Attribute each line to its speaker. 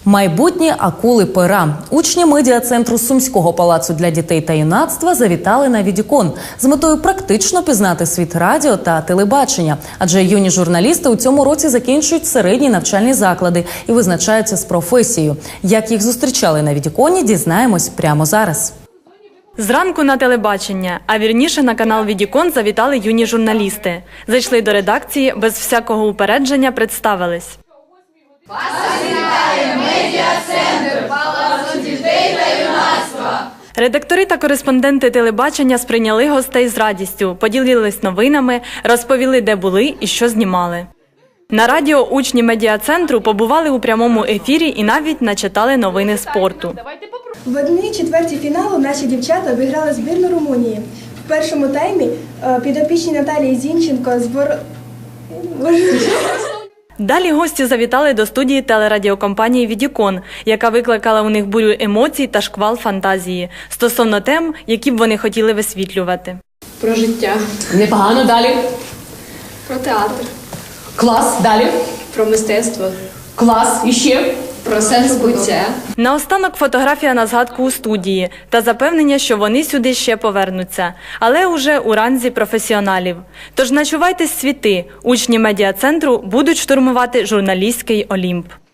Speaker 1: Майбутні акули пера. Учні медіа-центру Сумського палацу для дітей та юнацтва завітали на Відікон з метою практично пізнати світ радіо та телебачення. Адже юні журналісти у цьому році закінчують середні навчальні заклади і визначаються з професією. Як їх зустрічали на Відіконі, дізнаємось прямо зараз.
Speaker 2: Зранку на телебачення, а вірніше на канал Відікон завітали юні журналісти. Зайшли до редакції, без всякого упередження представились.
Speaker 3: Вас вітає медіа-центр Палацу дітей та юнацтва.
Speaker 2: Редактори та кореспонденти телебачення сприйняли гостей з радістю, поділились новинами, розповіли, де були і що знімали. На радіо учні медіа-центру побували у прямому ефірі і навіть начитали новини спорту.
Speaker 4: В 1/4 фіналу наші дівчата обіграли збірну Румунії. В першому таймі підопічні Наталії Зінченко
Speaker 2: Далі гості завітали до студії телерадіокомпанії «Відікон», яка викликала у них бурю емоцій та шквал фантазії стосовно тем, які б вони хотіли висвітлювати.
Speaker 5: Про життя.
Speaker 6: Непогано. Далі.
Speaker 5: Про театр.
Speaker 6: Клас. Далі.
Speaker 5: Про мистецтво.
Speaker 6: Клас. І ще.
Speaker 5: Про сенс буття.
Speaker 2: Наостанок фотографія на згадку у студії та запевнення, що вони сюди ще повернуться, але уже у ранзі професіоналів. Тож начувайтесь світи, учні медіа-центру будуть штурмувати журналістський Олімп.